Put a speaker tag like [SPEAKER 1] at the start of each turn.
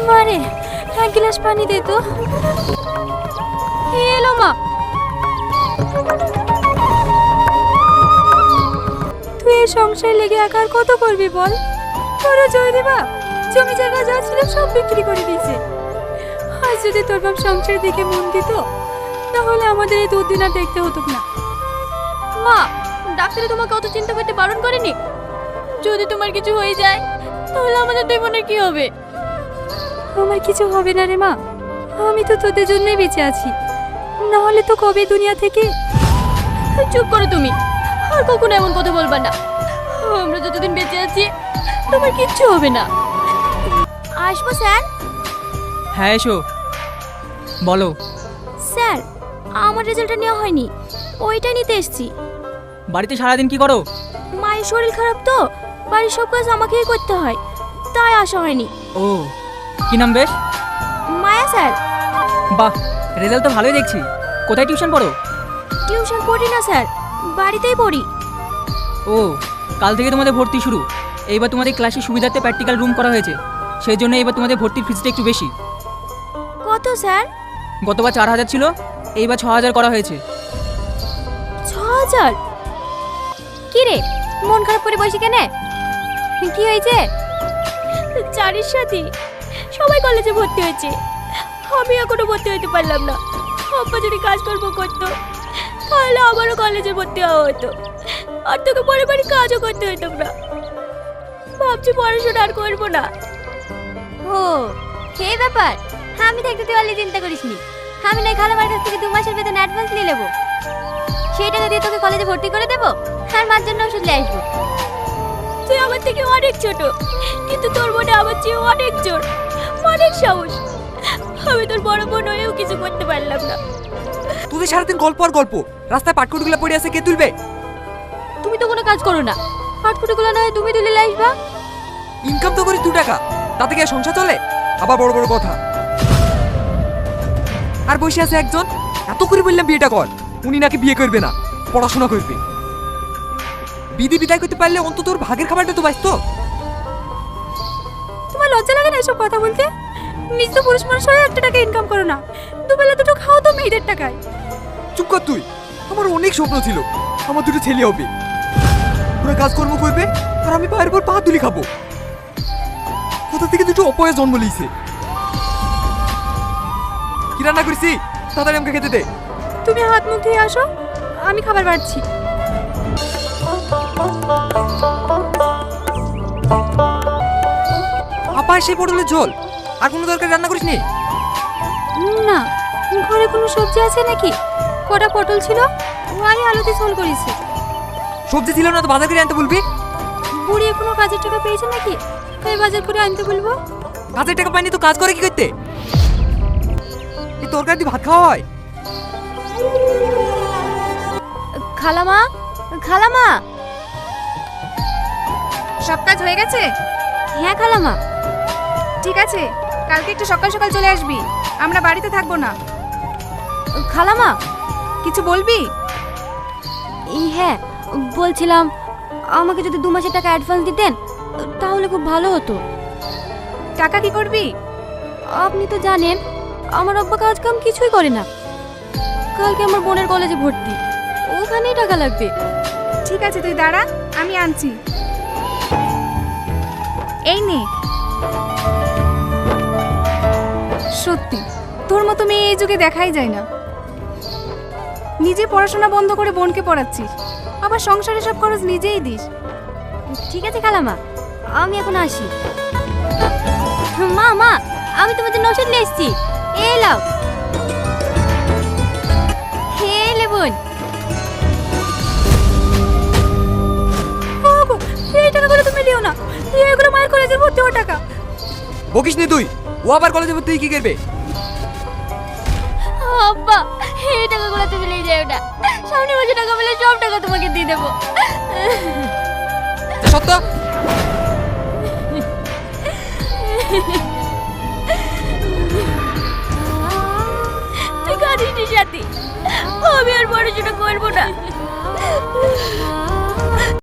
[SPEAKER 1] মারে, এক গ্লাস পানি দে তো। এলো মা। তুই এই সংসার লেগে একা আর কত করবি বল? তোরা জয়দি বাপ জমি জায়গা যা ছিল সব বিক্রি করে দিয়েছে। আজ যদি তোর বাপ সংসারের দিকে মন দিত তাহলে আমাদের এই দুদিন আর দেখতে হতো না। মা, ডাক্তারে তোমাকে অত চিন্তা করতে বারণ করেনি? যদি তোমার কিছু হয়ে যায় তাহলে আমাদের দুই বোনের কি হবে? আমার কিছু হবে না রে মা, আমি তো তোদের জন্যই বেঁচে আছি, না হলে তো কবে দুনিয়া থেকে। চুপ করো তুমি, আর কখনো এমন কথা বলবা না। আমরা যতদিন বেঁচে আছি তোমার কিচ্ছু হবে না। আসবো স্যার?
[SPEAKER 2] হ্যাঁ এসো, বলো।
[SPEAKER 1] স্যার, আমার রেজাল্টটা নেওয়া হয়নি, ওইটা নিতে এসেছি।
[SPEAKER 2] বাড়িতে সারাদিন কি করো?
[SPEAKER 1] মায়ের শরীর খারাপ তো, বাড়ির সব কাজ আমাকেই করতে হয়, তাই আসা হয়নি।
[SPEAKER 2] ও, কি নাম বেশ?
[SPEAKER 1] মায়া স্যার।
[SPEAKER 2] বাহ, রেজাল্ট তো ভালোই দেখছি। কোথায় টিউশন পড়ো?
[SPEAKER 1] টিউশন পড়ি না স্যার, বাড়িতেই পড়ি।
[SPEAKER 2] ও, কাল থেকে তোমাদের ভর্তি শুরু। এইবার তোমাদের ক্লাসের সুবিধার্থে প্র্যাকটিক্যাল রুম করা হয়েছে, সেই জন্য এবার তোমাদের ভর্তির ফিসটা একটু বেশি।
[SPEAKER 1] কত স্যার?
[SPEAKER 2] গতবার 4000 ছিল, এইবার 6000 করা হয়েছে।
[SPEAKER 1] 6000? কি রে, মন খারাপ করে বসে কেন? কি হয়েছে? চারির সাথে সবাই কলেজে ভর্তি হয়েছে, আমি এখনো ভর্তি হতে পারলাম না। আব্বা যদি কাজকর্ম করতো তাহলে আমারও কলেজে ভর্তি হওয়া হতো, আর তোকে পরে বাড়ি কাজও করতে হতো না। ভাবছি পড়াশোনা আর করবো না। ও, এই ব্যাপার? আমি থাকতে তুই অলি চিন্তা করিসনি। আমি নয় খালামার কাছ থেকে 2 মাসের বেতন অ্যাডভান্স নিয়ে নেবো, সেই টাকা দিয়ে তোকে কলেজে ভর্তি করে দেবো, আর মার জন্য ওষুধ নিয়ে আসবো। তুই আমার থেকে অনেক ছোট, কিন্তু তোর মনে আমার চেয়ে অনেক জোর, অনেক সাহস। আমি তোর বড় বোন হয়েও কিছু করতে পারলাম না।
[SPEAKER 3] তোদের সারাদিন গল্প আর গল্প, রাস্তায় পাটকুটিগুলো পড়ে আছে, কে তুলবে?
[SPEAKER 1] তুমি তো কোনো কাজ করো না, পাটকুটিগুলো না হয় তুমি তুলে আসবা।
[SPEAKER 3] ইনকাম তো করি 2 টাকা, তাতে কি আর সংসার চলে? আবার বড় বড় কথা। আর বসে আছে একজন, এত করে বললাম বিয়েটা কর, উনি নাকি বিয়ে করবে না, পড়াশোনা করবে। বিধি বিদায় করতে পারলে অন্তত ওর ভাগের খাবারটা তো বাঁচতো।
[SPEAKER 1] তোমার লজ্জা লাগে না এসব কথা বলতে? নিজ তো পুরুষ মানুষ হয়ে 1 টাকা ইনকাম করো না, দুবেলা দুটো খাও তো মেয়েদের টাকায়।
[SPEAKER 3] চুপ কর তুই, আমার অনেক স্বপ্ন ছিল আমার 2টো ছেলে হবে, ওরা কাজকর্ম করবে আর আমি পায়ের পর পা তুলি খাবো। কোথা থেকে 2টো অপয়া জন্ম লিয়েছে। কি রান্না করেছি তাড়াতাড়ি আমাকে খেতে দে।
[SPEAKER 1] তুমি হাত মুখ ধুয়ে আসো, আমি খাবার বাড়ছি।
[SPEAKER 3] আপা সেই পটলের ঝোল, আর কোনো দরকার রান্না করিসনি?
[SPEAKER 1] না, ঘরে কোনো সবজি আছে নাকি? কটা পটল ছিল, ওই আলুতে ঝোল করেছি।
[SPEAKER 3] সবজি ছিল না তো বাজার করে আনতে বলবি।
[SPEAKER 1] বুড়ি এখনো কাজের টাকা পেয়েছে নাকি, তাই বাজার করে আনতে বলবো।
[SPEAKER 3] কাজের টাকা পাইনি তো কাজ করে কি করতে? এই তরকারি দিয়ে ভাত খাওয়া হয়?
[SPEAKER 1] খালামা, খালামা।
[SPEAKER 4] সব কাজ হয়ে গেছে?
[SPEAKER 1] হ্যাঁ খালামা।
[SPEAKER 4] ঠিক আছে, কালকে একটু সকাল সকাল চলে আসবি, আমরা বাড়িতে থাকবো না।
[SPEAKER 1] খালামা,
[SPEAKER 4] কিছু বলবি?
[SPEAKER 1] হ্যাঁ বলছিলাম, আমাকে যদি 2 মাসের টাকা অ্যাডভান্স দিতেন তাহলে খুব ভালো হতো।
[SPEAKER 4] টাকা কি করবি?
[SPEAKER 1] আপনি তো জানেন আমার আব্বা কাজ কাম কিছুই করে না। কালকে আমার বোনের কলেজে ভর্তি, ওখানেই টাকা লাগবে।
[SPEAKER 4] ঠিক আছে, তুই দাঁড়া, আমি আনছি। এই নে। সত্যি তোর মতো মেয়ে এই যুগে দেখাই যায় না। নিজে পড়াশোনা বন্ধ করে বোনকে পড়াচ্ছিস, আবার সংসারে সব খরচ নিজেই দিস।
[SPEAKER 1] ঠিক আছে খালামা, আমি এখন আসি। মা মা, আমি তোমার জন্য ওষুধ নিয়ে এসেছি, এই লাও। হে বোন, এই টাকাগুলো তুমি দিও না, এগুলো মায়ের কলেজে ভর্তি হওয়ার টাকা।
[SPEAKER 3] বকিস নি তুই, ও আবার কলেজে ভর্তি হয়ে কি করবে?
[SPEAKER 1] আব্বা, এই টাকাগুলো তুমি নিয়ে যাও না, সামনে মাসে টাকা পেলে সব টাকা তোমাকে দিয়ে দেবো।
[SPEAKER 3] সত্য?
[SPEAKER 1] তুই কাঁদিস নি সাথী, আমি আর পড়াশোনা করবো না।